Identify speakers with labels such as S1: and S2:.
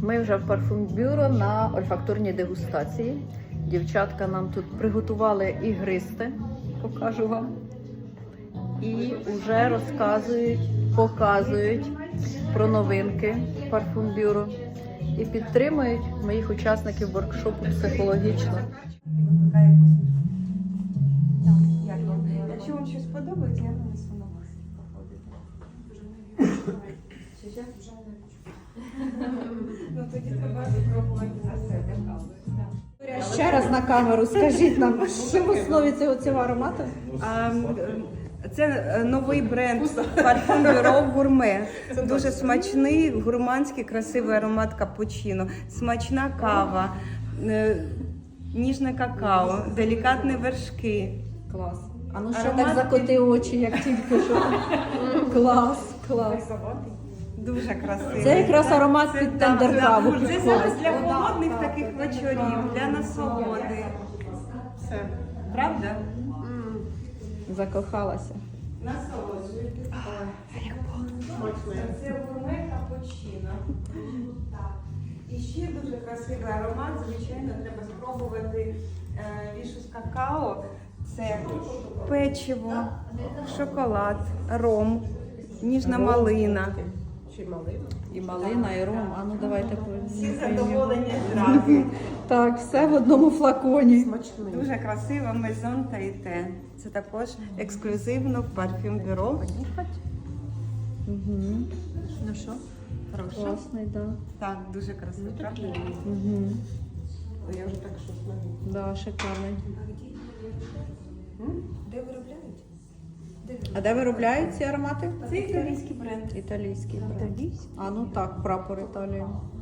S1: Ми вже в парфумбюро на ольфакторній дегустації. Дівчатка нам тут приготували ігристе, покажу вам. І вже розказують, показують про новинки парфумбюро. І підтримують моїх учасників воркшопу психологічно.
S2: Якщо вам щось подобається, я нанесу на вас. Ну тоді треба спробувати на себе.
S3: Ще раз на камеру скажіть нам, що в основі цього аромату?
S2: Це новий бренд парфум бюро гурме. Це дуже смачний, гурманський, красивий аромат капучино, смачна кава, ніжне какао, делікатні вершки.
S3: Клас. А ну ще
S2: Аромат
S3: так закоти очі, як тільки що. Клас, клас.
S2: Дуже красивий.
S3: Це якраз аромат під тендер-каву
S2: Це
S3: підходить.
S2: зараз для холодних таких вечорів, для насолоди. Все. Правда?
S3: Закохалася.
S2: Насолоджуйтесь. Це гурме капучино. Так. І ще дуже красивий аромат, звичайно, треба спробувати вішу з какао. Це печиво, шоколад, ром, ніжна малина.
S1: І малина, і ром. А ну давайте
S2: Всі задоволені зразу.
S3: Так, все в одному флаконі.
S2: Дуже красиво, Maison Taité. Це також ексклюзивно в парфюм бюро.
S3: Ну що?
S1: класний, да.
S2: Так, дуже красиво, правда?
S1: Угу.
S2: Я вже так щось навіть.
S1: Да, шикарний.
S2: Де виробляють?
S3: А де виробляють ці аромати?
S2: Це італійський бренд.
S1: Італійський бренд. А ну так, прапор Італії.